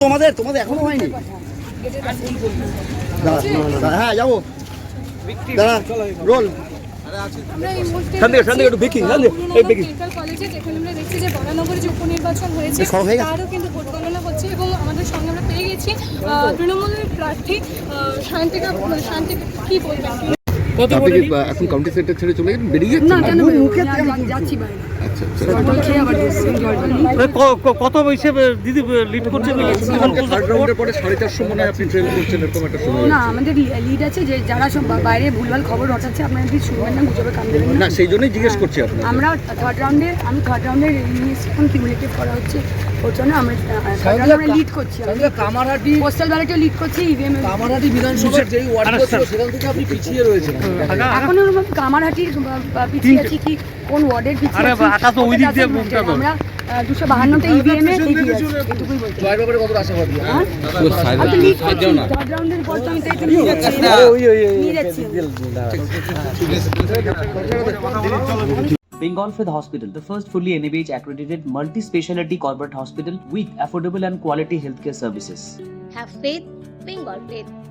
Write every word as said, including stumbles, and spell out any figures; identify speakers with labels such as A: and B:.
A: তোমাদের তোমাদের এখনো হয়নি। হ্যাঁ যাবো দাঁড়া রোল
B: উপনির্বাচন হয়েছে তারও কিন্তু ভোট গণনা হচ্ছে এবং আমাদের সঙ্গে আমরা পেয়ে গেছি তৃণমূলের প্রার্থী শান্তিকা শান্তি কি বলবেন
C: এখন কাউন্টি সেন্টার ছেড়ে চলে গেলেন, বেরিয়ে
B: যাচ্ছি বাইরে।
D: কত হিসেবে দিদি লিড করছেন?
C: থার্ড রাউন্ডের পরে সাড়ে চারশো মনে হয় আপনি ট্রেন করছেন, এরকম একটা সময়।
E: না, আমাদের লিড আছে যে যারা সব বাইরে ভুলভাল খবর রটাচ্ছে আপনারা কি শুনবেন না, গুজবে কান দেবেন
C: না, সেই জন্যই জিজ্ঞেস করছি আপনাকে।
E: আমরা থার্ড রাউন্ডে আমি থার্ড রাউন্ডের এখন কিউমুলেটিভ করা হচ্ছে ওর জন্য আমরা থার্ড রাউন্ডে আমরা লিড করছি।
A: কামারহাটি
E: পোস্টাল ব্যালটে লিড করছি, ইভিএম
A: কামারহাটি বিধানসভার যেই ওয়ার্ড ছিল সেখান থেকে আপনি পিছিয়ে রয়েছেন।
E: এখন কামারহাটির পিছিয়ে আছি কি কোন ওয়ার্ডের পিছিয়ে আছি আমরা দুশো বাহান্নতে ইভিএম এ এগিয়ে আছি, এটুকুই বলতে
A: জয়ের ব্যাপারে কত আশাবাদী?
E: আমি লিড করছি থার্ড রাউন্ডের পর তো আমি তাই নিয়ে যাচ্ছি নিয়ে যাচ্ছি
F: Bengal Fifth Hospital, the first fully N A B H accredited multi-speciality corporate hospital with affordable and quality healthcare services.
G: Have faith, Bengal faith.